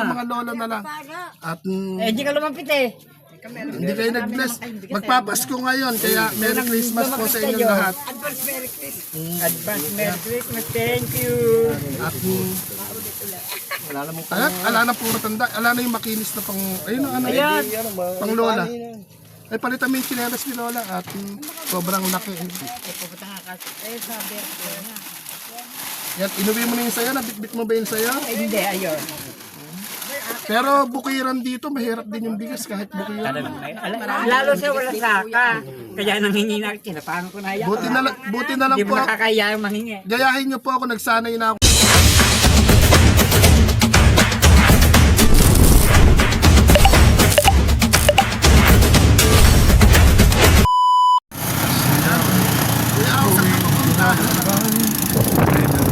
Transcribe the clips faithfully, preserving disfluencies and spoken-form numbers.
ng mga lola na lang. At mm, Eh, di ka lumapit eh. hindi kayo nag-bless. Magpapasko ngayon, kaya Merry Christmas po sa inyong lahat. Advance Merry Christmas. Advance Merry Christmas. Thank you. At mm, ala, ala na puro tanda. Ala na yung makinis na pang, ayun ang ano, Ayan. pang lola. Ay, palitan mo yung chinelas ni lola at mm, sobrang laki. Eh, pupunta nga kasi. Eh, sabi ko na. Yan, inuwi mo na yung sayo, nabitbit mo ba yung sayo? Eh, hindi, ayun. Pero bukiran dito, mahirap din yung bigas kahit bukiran. Lalo siya wala saka. Kaya nanghingi na, kinapahan ko na yan. Buti na, lang- buti na lang Hindi po. mo nakakaya yung manghingi. Gayahin niyo po ako, nagsanay na ako. Kaya ako sa kapapunta.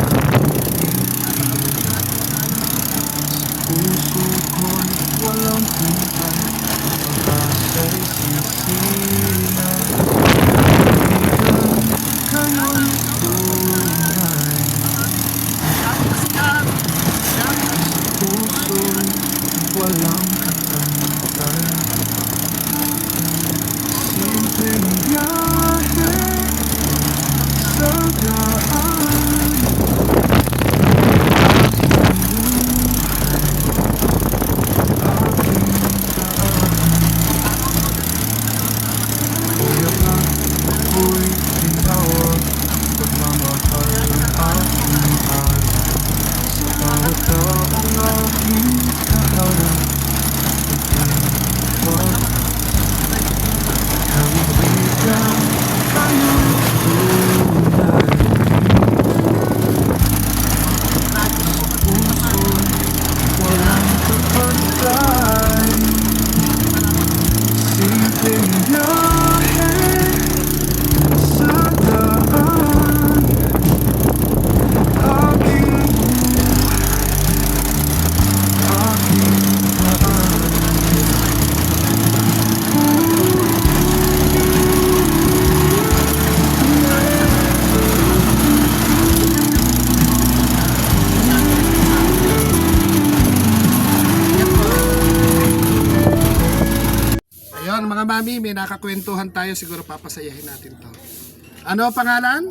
Ayun mga mami, may nakakwentuhan tayo, siguro papasayahin natin to. Ano ang pangalan?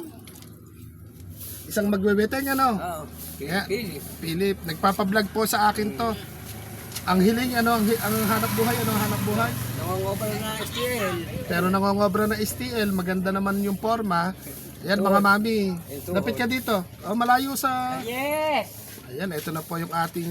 Isang magbebeteng ano? Oo. Yeah. Philip. Philip, nagpapablog po sa akin to. Ang hiling, ano, ang, hi- ang hanap buhay, ano ang hanap buhay? Nangongopal na S T L. Pero nangongobra na S T L, maganda naman yung forma. Ayan mga mami, lapit ka dito. Oh, malayo sa... Yes! Ayan, ito na po yung ating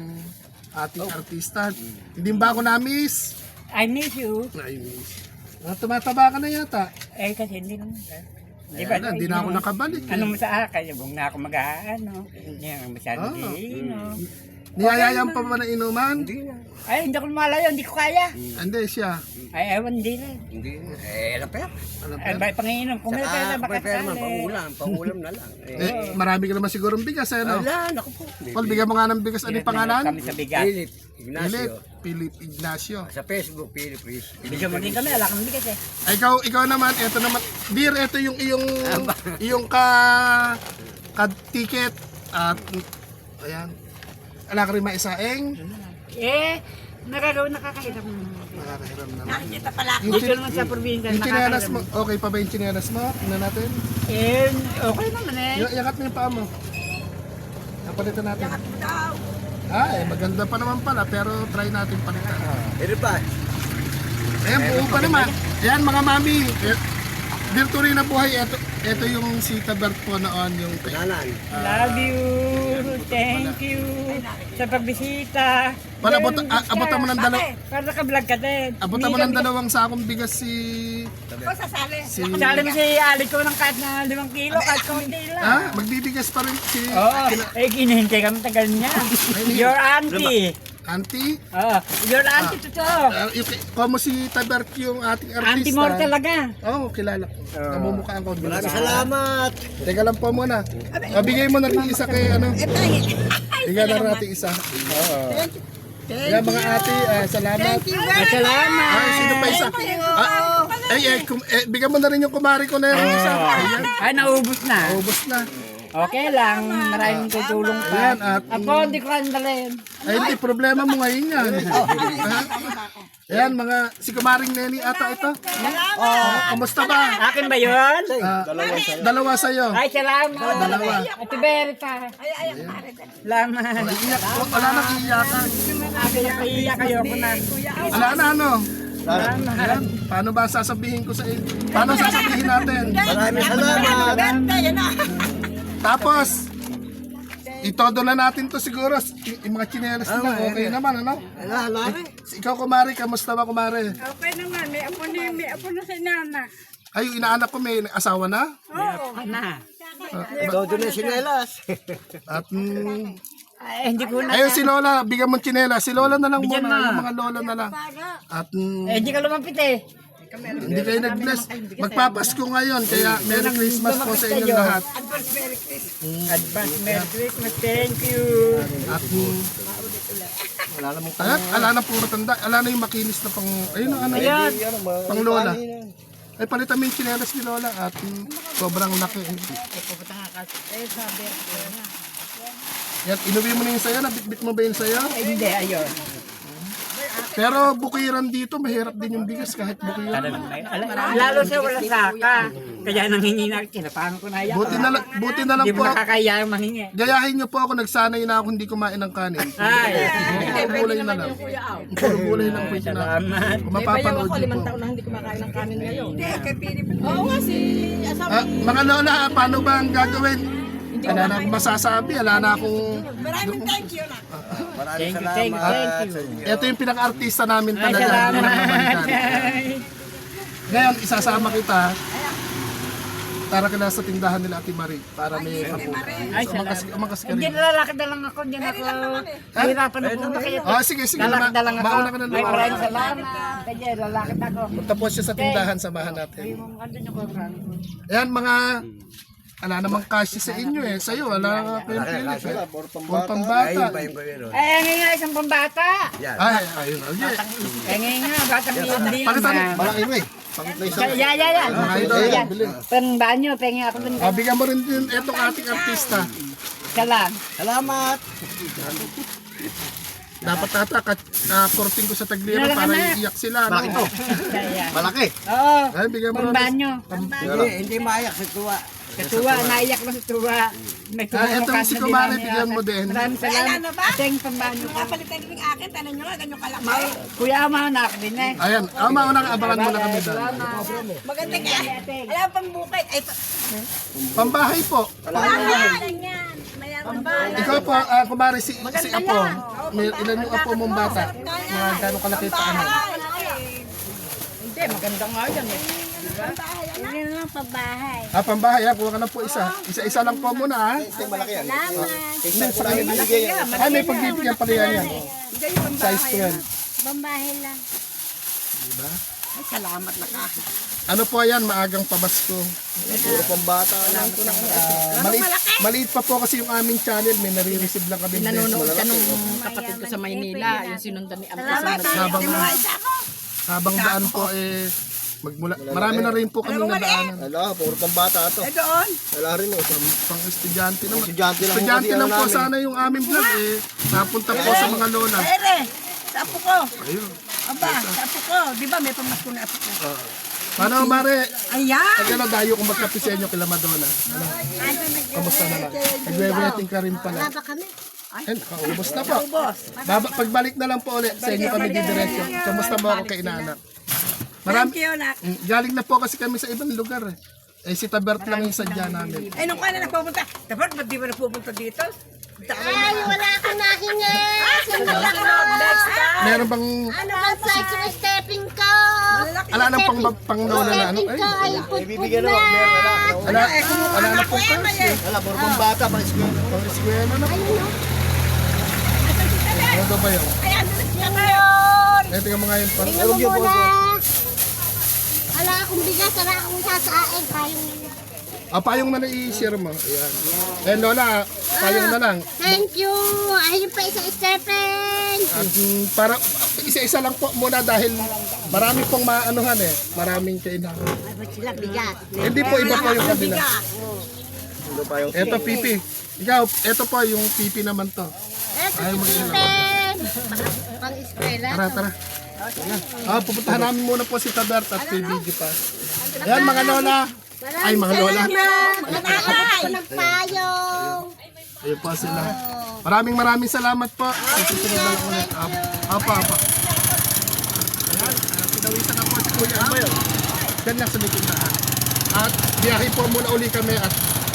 ating artista. Hindi ba ako na-miss? I miss you. Ay, miss. Ah, tumataba ka na yata. Eh, kasi hindi naman. Di Ayan na, hindi na ako nakabalik. Eh. Ano mo sa akin? Huwag na ako mag-aano. Hindi ako masyado Ah. di, no? Niyayayan pa ba na inuman? Hindi na. Ay, hindi ko malayo. Hindi ko kaya. Hindi siya. Ay, ewan, hindi na. Hindi na. Eh, alam pa yan. Ano Ay, pa? may panginom. Kung may pera, Saka, may pera man, makasali. pangulam. Pangulam na lang. Eh, Eh, marami ka naman sigurong bigas, eh, no? wala, naku po. Paul, bigyan mo nga ng bigas. Ano yung pangalan? Kami sa bigas. Philip Philip. Ignacio. Philip Ignacio. Sa Facebook, Philip Chris. Bigyan mo din kami. Ala kami bigas eh. Ay, ikaw, ikaw naman, ito naman. Dear, ito yung iyong, iyong ka, ka ticket. At, ayan. Ala ka rin maisaeng. Eh, nakagawin nakakahiram. Nakakahiram naman. Nakikita pala ako. Yung Dito chin- naman sa probinsya. Yung chinelas mo, nakakahiram. okay pa ba yung chinelas mo? Tingnan natin. Eh, okay naman eh. Y- yakat mo yung paa mo. Napalitan natin. Ah, eh, maganda pa naman pala, pero try natin palitan. Pero pa, Ayan, buo pa naman. Ayan, mga mami. Eh, Dito rin na buhay. Ito, ito yung si Tabert po noon. Yung kananan. Love you. Thank you. Sa pagbisita. Para abot, a- abutan mo ng dalaw, Para naka-vlog ka din. abutan mo ng dalawang sakong bigas si... Si... Sali mo si Ali ko ng kahit na limang kilo, kahit konti lang. Ha? Magbibigas pa rin si... Oo, eh ginihintay kami tagal niya. Your auntie. Auntie. Oo, your auntie totoo. Uh, yung, como si Tabert yung ating artista. Auntie mo talaga. Oo, oh, kilala ko. Namumukhaan ko. Maraming salamat. Teka lang po muna. Uh, bigay mo na rin isa kay ano. Bigyan na rin natin isa. Oo. Yan mga ate, ah, salamat. Ay, salamat. Ay, sino pa isa? Ah, ay, eh, kum, eh, bigyan mo na rin yung kumari ko na yung isa. Ayan, Ay, naubos na. ubos na. Okay lang, maraming tutulong pa. Ayan, at Ako, hindi ko andalin. ay, hindi, problema mo ngayon yan. Ha? Ayan, mga, si Kumaring Neni ata ito. Oh, kamusta ba? Akin ba yun? Ah, dalawa sa'yo. Ay, salamat. Dalawa. Ate Berta. Salamat. Iiyak, wala nang iiyakan. Akin na kaiyak kayo ko na. Wala na ano. Ayan, paano ba sasabihin ko sa inyo? Paano sasabihin natin? Maraming salamat. Tapos, itodo na natin to siguro. Y- Yung mga chinelas nila, okay naman, ano? Ala, ala. Ikaw, Kumari, kamusta ba, Kumari? Okay naman, may apo na, may apo na si Nana. Ay, yung inaanak ko, may asawa na? Oo. Na. Todo na sinelas. At, mm, Ay, hindi ko na. ayun si Lola, bigyan mo chinelas. Si Lola na lang Bigyan muna, mo. yung mga Lola na lang. At, mm, Eh, hindi ka lumapit eh. hindi kayo nag-bless. Magpapasko ngayon, kaya Merry Christmas po sa inyong lahat. Advance Merry Christmas. Thank you. At, mm, Wala namang Ayan, ala na puro tanda. Ala na yung makinis na pang, ayun ang ano, Ayan. pang Lola. Ay, palitan mo yung chinelas ni Lola at mm, sobrang laki. Yan, inuwi mo na yung sayo, nabitbit mo ba yung sayo? Eh, hindi, ayun. Pero bukiran dito, mahirap din yung bigas kahit bukiran. Lalo siya wala saka. Kaya nanghingi na, kinapahan ko na yan. Buti na, lang- buti na lang Hindi po, mo nakakaya yung manghingi. gayahin niyo po ako, nagsanay na ako hindi kumain ng kanin. Ay, Puro gulay na lang. Puro gulay lang po ito na. salamat. Kung mapapanood niyo po. Oo nga si asawa. Ah, mga Lola, paano ba ang gagawin? Wala na akong masasabi, wala na akong... Maraming thank you na. Maraming Thank you, thank you, salamat. thank you. Ito yung pinaka-artista namin Ay, talaga. salamat. Pinakabantan. Ngayon, isasama kita para ka na sa tindahan nila Ate Marie para may papunan. Ay, Umakas, salamat. umakas ka Hindi rin. nalalakad na lang ako, hindi na ako. Hirapan na po kayo. Oh, sige, sige. Lalakad Ma- na lang ako. mauna ka na Ay, naman. maraming salamat. Kaya lalakad ako. Punta po siya sa tindahan, samahan natin. Andun yung program. Ayan, mga... Ala namang cash sa inyo eh. Sa'yo, wala ka yung Philip eh. Puro Ayun pambata. pa yung gawin. oh. Eh, ngayon nga isang pambata. Yan. Ay, ayun. ayun. Eh, ngayon nga, batang hindi Palitan. na. Malaki mo eh. Pangit na isa. Ya, ya, ya. Mga idol, Yan. bili. Pang banyo, pengen ako dun. Ah, bigyan mo rin din itong ating artista. Isa lang. Salamat. Dapat ata, ka-korting ko sa tagliro para iiyak sila. Bakit No? to? Kaya. Malaki. Oo. Ay, bigyan mo Pang rin. banyo. Hindi, hindi maayak sa tuwa. Katuwa, naiyak lang sa tuwa. May Ah, tumulong eto ka si sa Kumari, dinami. bigyan mo din. Maraming Wala salamat. na ba? Ate, yung pambanyo ko. Kapalitan din yung akin, tanan nyo nga, ganyan kalaki. Kuya, amanak din eh. Ayan, ah, mauna ka, abangan mo na kami doon. Maganda ka. Alam pang bukid. Ay, pa- Pambahay po. bahay. Yan. Mayroon ba? Ikaw po, ah, kumari si, si Apo. May, ilan yung Apo mong bata? Mga gano'ng kalaki pa ano? Hindi, maganda nga yan eh. Yan lang pabahay. Ah, pambahay ha, kuha ka na po isa. Isa-isa lang po muna ha. Malaki yan. Salamat. Isa sa kanya binigay yan. Ay, may pagbibigyan pala yan yan. Size twelve. Bambahay lang. Ay, salamat na ka. Ano po yan, maagang pabasko. Puro pambata. Ah, maliit, maliit pa po kasi yung aming channel, may nare-receive lang kami. Nanonood ka nung kapatid ko sa Maynila, yung sinundan ni Ampo sa Habang, habang daan po eh, magmula, marami na rin po kami nadaanan. Ala, puro pambata to. Eh doon. Wala rin oh. Pang estudyante naman. Estudyante lang. Estudyante ang lang po namin. sana yung aming vlog eh. Napunta po sa mga lola. Ere, sa apo ko. Ayun. Aba, sa apo ko. Di ba may pamasko na apo ko? Paano, Mare? Ayan. Pag ano, dayo kung magkapisenyo kila Madonna. Ano? Kamusta naman? Nagwe-waiting ka rin pala. Baba kami. Ay, nakaubos na po. Baba, pagbalik na lang po ulit sa inyo kami didiretso. Kamusta mo ako kay inaanak? Marami, Thank you, nak. Mm, galing na po kasi kami sa ibang lugar eh. Eh, si Tabert lang yung sadya namin. Ay, nung kaya na nagpupunta. Dapat, ba't di ba nagpupunta dito? Ay, wala akong nahingi. Next time. Meron bang, Ano ba size yung stepping ko? ala nang pang, pang lola na ano? Stepping ko Ay, ay putput Bibigyan na. na. Meron wala. ala, ala na po Kuya, may eh. Wala, puro pambata. Pang school. pang eskwela na po. Ano daw ba yun? Ay, ano na siya ngayon? Eh, tingnan mo nga yung pang... Tingnan mo muna. Wala akong bigas, wala akong sasain. Kayong Ah, payong na lang i-share mo. Ayan. Eh, lola, payong na lang. thank you. Ayun pa isa stepping. At mm, para isa-isa lang po muna dahil marami pong maanuhan eh. Maraming kailangan. Ay, ba't sila bigas? Hindi po iba po yung kabila. Ito pa yung Ito, pipi. Ikaw, ito po yung pipi naman to. Eto Ayaw si mag-inom. Pipen. Pang eskwela. Tara, tara. Ayan. Ah, pupuntahan namin muna po si Tabert at kay Biggie pa. Ayan, mga lola. Ay, mga lola. Salamat. Nakakabot ko ng payong. Ayun po sila. Maraming maraming salamat po. Sa susunod na lang ulit. Apa, apa. Ayan, ah, pinawisan na po si Kuya Am. Diyan lang sa may tindahan. At biyahe po muna uli kami at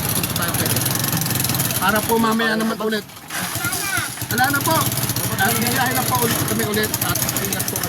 para po mamaya naman ulit. Wala na po. At biyahe na po ulit kami ulit at ingat po